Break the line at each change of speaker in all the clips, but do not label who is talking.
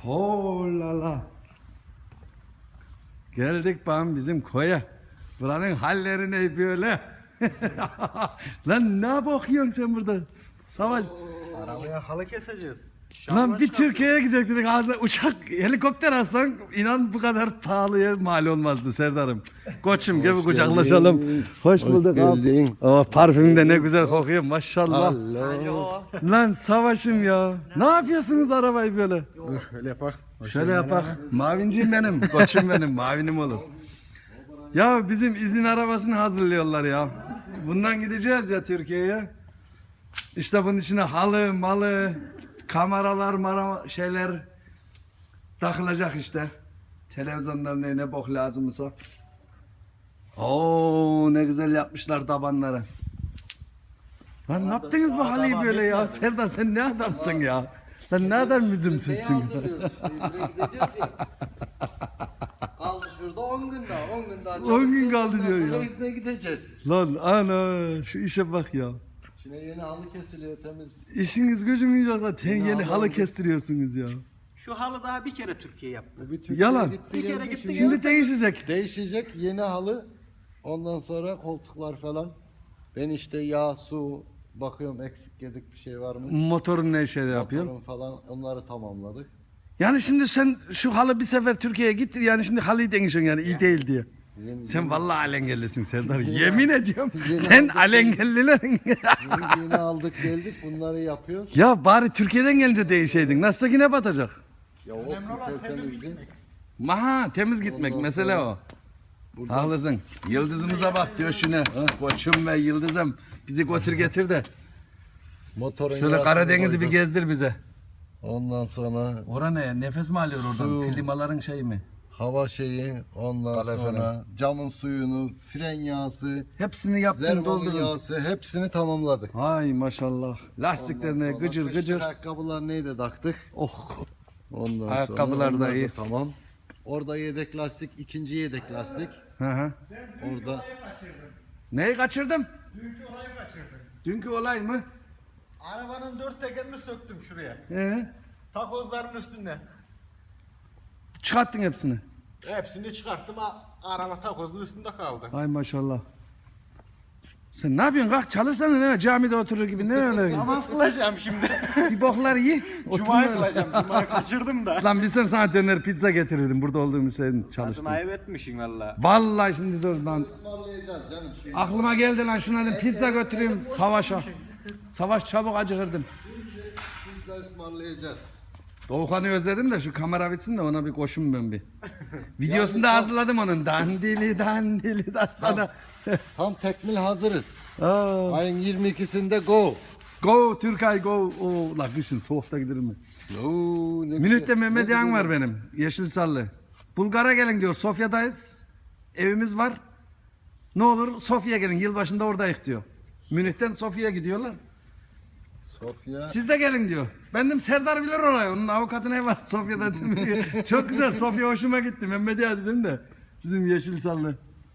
Oho la la. Geldik bana bizim koya. Buranın halleri ne böyle? Lan ne bakıyorsun sen burada? Savaş.
Arabaya halı keseceğiz.
Lan bir Türkiye'ye gidelim dedik. Ağzına uçak, helikopter alsan inan bu kadar pahalıya mal olmazdı Serdar'ım. Koçum gibi kucaklaşalım. Hoş bulduk abi. Oh, parfüm de ne güzel kokuyor maşallah.
Alo.
Lan Savaş'ım ya. Ne yapıyorsunuz arabayı böyle?
Dur öyle yapak.
Şöyle yapak. Mavinciyim benim. Koçum benim. Mavinim olur. Ya bizim izin arabasını hazırlıyorlar ya. Bundan gideceğiz ya Türkiye'ye. İşte bunun içine halı, malı, kameralar, şeyler takılacak işte. Televizyonlar ne bok lazımsa. Oo ne güzel yapmışlar tabanları. Lan ne yaptınız bu halıyı böyle ya? Serdar sen ne adamsın ya? Lan ne kadar müzümsüzsün ya.
Gideceğiz ya. Kaldı şurada 10 gün daha. 10 gün daha
10 gün kaldı
ondan
diyor
sonra
ya.
izne gideceğiz.
Lan ana şu işe bak ya.
Şimdi yeni halı kesiliyor temiz.
İşiniz gücünüz yok da yeni
Ne
halı
yapalım?
kestiriyorsunuz ya.
Şu halı daha bir kere Türkiye yaptı.
Bu bir Türkiye'ye
Yalan.
gitti,
Bir kere
geldi.
gitti,
Şimdi değişecek.
Değişecek yeni halı. Ondan sonra koltuklar falan. Ben işte yağ, su bakıyorum eksik yedik bir şey var mı?
Motorun ne şey yapıyor?
Motorun falan onları tamamladık.
Yani şimdi sen şu halı bir sefer Türkiye'ye gitti yani şimdi halıyı değişiyorsun yani iyi değil diye. Sen vallahi alengellisin Serdar. Yemin ediyorum
Yeni
sen
aldık.
alengellilerin.
Bunu yeni aldık geldik bunları yapıyoruz.
Ya bari Türkiye'den gelince değişeydin. Nasılsa yine batacak.
Ya olsun tertemizdi.
Maha temiz gitmek
Ondan
mesele
sonra
o.
Buradan
Haklısın. Yıldızımıza bak diyor şuna. Koçum ve yıldızım bizi götür getir de.
motorun
Şöyle
yağsını
Karadeniz'i bir
koyduk.
gezdir bize.
Ondan sonra
Ora ne? Nefes mi alıyor oradan?
Su.
Klimaların şeyi mi?
hava şeyi, ondan
Kaloriferin.
sonra camın suyunu, fren yağısı,
Hepsini yaptın
zervanın
doldurdun.
yağısı hepsini tamamladık.
Ay maşallah. Lastiklerine
Ondan sonra
gıcır
kışlık
gıcır.
ayakkabılar neydi taktık.
Oh.
Ondan
Ayakkabılar
sonra
da
onlar
iyi.
Tamam. Orada yedek lastik, ikinci yedek lastik.
Hı hı.
Orada
Neyi kaçırdım?
Dünkü olayı kaçırdım.
Dünkü olay mı?
Arabanın 4 tekerini söktüm şuraya. Takozların üstünde.
Çıkarttın hepsini.
Hepsini çıkarttım. Araba takozun üstünde kaldı.
Ay maşallah. Sen ne yapıyorsun? Kalk çalışsana ne? Camide oturur gibi ne öyle?
Namaz kılacağım şimdi.
Bir boklar ye.
Cuma'yı
Oturma.
kılacağım. Cuma'yı kaçırdım da.
Lan bilsem sana döner pizza getirirdim. Burada olduğumu sen çalıştın.
Adını ayıp etmişsin valla.
Vallahi şimdi dur lan.
ısmarlayacağız canım.
Aklıma geldi lan şuna dedim pizza götüreyim Savaş'a. Savaş çabuk acıkırdım.
Pizza ısmarlayacağız.
Doğukan'ı özledim de şu kamera bitsin de ona bir koşun ben bir. Videosunu da hazırladım onun. Dandili dastana.
Tam tekmil hazırız.
Aa,
Ayın 22'sinde go.
go Türkay go. Oo, la kışın soğukta giderim mi?
Oo, ne
Minütte
güzel,
Mehmet
ne
Yan
güzel.
var benim. Yeşilsallı. Bulgar'a gelin diyor. Sofya'dayız. Evimiz var. Ne olur Sofya'ya gelin. Yılbaşında oradayız diyor. Münih'ten Sofya'ya gidiyorlar.
Sofya.
Siz de gelin diyor. Ben dedim Serdar bilir orayı. Onun avukatı ne var Sofya'da dedim. Çok güzel Sofya hoşuma gitti. Mehmet ya dedim de. Bizim Yeşilsallı.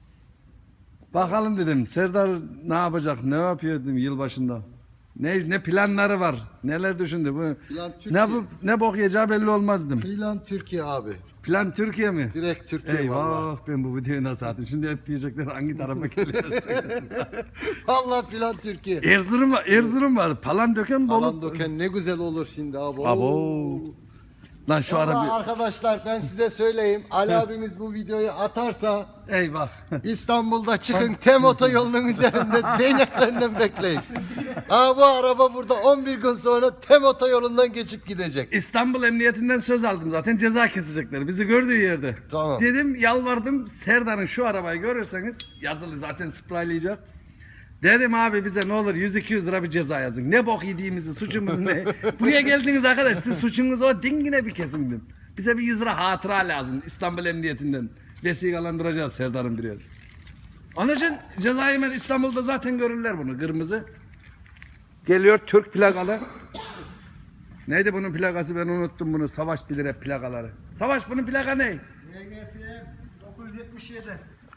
Bakalım dedim. Serdar ne yapacak? Ne yapıyor dedim yılbaşında. Ne planları var? Neler düşündü bu?
Plan Türkiye.
Ne bok yiyeceği belli olmaz dedim.
Plan Türkiye abi.
Plan Türkiye mi?
Direkt Türkiye
Eyvah
vallahi.
ben bu videoyu nasıl attım? Şimdi hep diyecekler hangi tarafa geliyorsun?
Vallahi plan Türkiye.
Erzurum var. Palandöken Bolu.
Alan döken ne güzel olur şimdi abi.
Abo. Lan şu ara
Vallahi
bir...
arkadaşlar ben size söyleyeyim. Ali abiniz bu videoyu atarsa
Eyvah.
İstanbul'da çıkın Tem otoyolunun üzerinde değneklerinden bekleyin. Aa, bu araba burada 11 gün sonra Tem otoyolundan geçip gidecek.
İstanbul Emniyetinden söz aldım zaten ceza kesecekler bizi gördüğü yerde.
Tamam.
Dedim yalvardım Serdar'ın şu arabayı görürseniz yazılı zaten spraylayacak. Dedim abi bize ne olur 100-200 lira bir ceza yazın. Ne bok yediğimizi suçumuz ne? Buraya geldiniz arkadaş siz suçunuz o dingine bir kesindim. Bize bir 100 lira hatıra lazım İstanbul Emniyetinden. Vesikalandıracağız Serdar'ın bir yer. Onun için cezayı ben İstanbul'da zaten görürler bunu kırmızı. Geliyor Türk plakalı. Neydi bunun plakası ben unuttum bunu. Savaş bilir hep plakaları. Savaş bunun plaka ne?
MGT 977.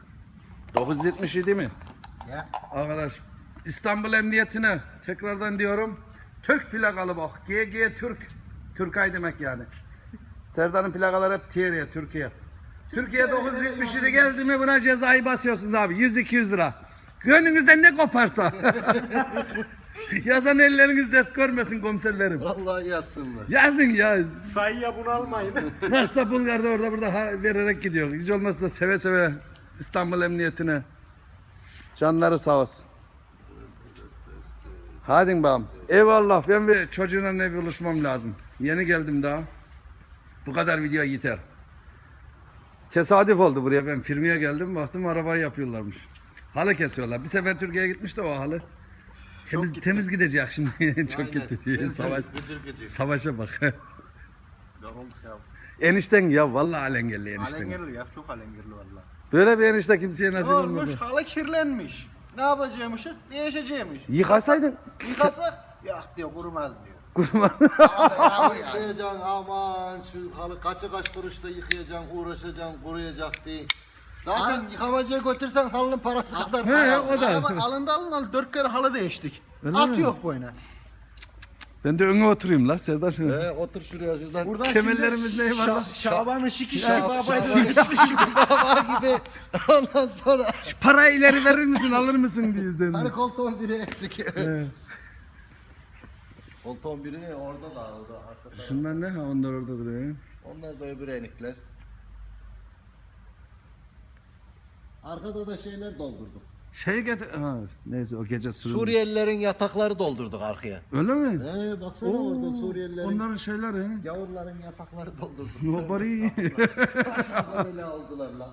977 mi?
Ya.
Arkadaş İstanbul Emniyetine tekrardan diyorum. Türk plakalı bak. GG Türk. Türkay demek yani. Serdar'ın plakaları hep Thierry'e, Türkiye. Türkiye 977 geldi mi buna cezayı basıyorsunuz abi. 100-200 lira. Gönlünüzden ne koparsa. Yazan elleriniz dert görmesin komiserlerim.
Vallahi yazsınlar.
Yazın ya.
Sayıya bunu almayın.
Nasılsa Bulgar'da orada burada vererek gidiyor. Hiç olmazsa seve seve İstanbul Emniyetine. Canları sağ olsun. Hadi bakalım. Eyvallah, ben bir çocuğuna ne buluşmam lazım. Yeni geldim daha. Bu kadar video yeter. Tesadüf oldu buraya, ben firmaya geldim baktım arabayı yapıyorlarmış. Halı kesiyorlar. Bir sefer Türkiye'ye gitmiş de o halı. Temiz gidecek şimdi. Çok
Aynen.
gitti diye. Savaş,
Gıcır gıcır.
savaşa bak.
Yorulduk ya.
Enişten ya vallahi alengelli enişten.
Alengerli ya, çok alengerli valla.
Böyle bir enişte kimseye nasip
Olmuş,
olmadı.
halı kirlenmiş. Ne yapacağımış? Değişeceğimiş.
Yıkasaydın.
Yıkasak, yok diyor, kurumaz diyor.
Halı yıkayacaksın aman şu halı kaç kuruşta yıkayacaksın, uğraşacaksın, kuruyacak diye. Zaten yıkamacıya götürsen halının parası kadar
He,
para.
o da.
Araba alındı 4 kere halı değiştik.
Öyle
At
mi?
yok boyuna.
Ben de öne oturayım la Serdar.
Otur şuraya şuradan.
Buradan
Kemerlerimiz
şimdi
ne var lan?
Şaban'ın şiki
Şaban
şabayla
baba gibi. Ondan sonra
Parayı ileri verir misin alır mısın diye üzerine.
hani koltuğun biri eksik. Koltuğun biri ne? Orada da arkada.
Şunlar ne? Ha, onlar orada duruyor.
Onlar da öbür enikler. Arkada da şeyler doldurduk.
Şey getir... Ha, neyse o gece sürüldü.
Suriyelilerin yatakları doldurduk arkaya.
Öyle mi?
Baksana
Oo,
orada Suriyelilerin,
Onların şeyleri.
gavurların yatakları doldurduk.
Nobody.
Başımıza böyle aldılar lan.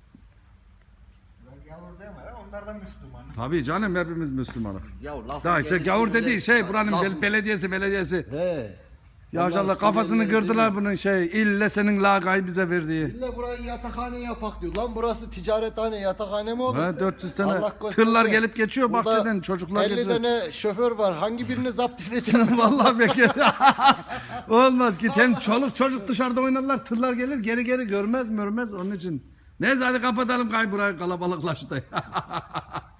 Gavur deme ya, onlardan Müslüman.
Tabii canım, hepimiz Müslümanız.
Ya lafın
Daha işte
gelişi
gavur
öyle-
dediği şey buranın
Lafın-
belediyesi.
He.
Ya
Onlar
inşallah kafasını
Suriyelileri
kırdılar
değil.
bunun şey. İlle senin lagayı bize verdiği.
İlla burayı yatakhane yapak diyor. Lan burası ticarethane, yatakhane mi olur?
Ha, 400 tane
Allah gösterdi.
tırlar gelip geçiyor
Burada
bahçeden, çocuklar
50
geçiyor.
tane şoför var. Hangi birini zapt edeceğim?
Vallahi bekle. Olmaz ki. Hem çoluk çocuk dışarıda oynarlar, tırlar gelir geri görmez onun için. Neyse hadi kapatalım, burayı kalabalıklaştı.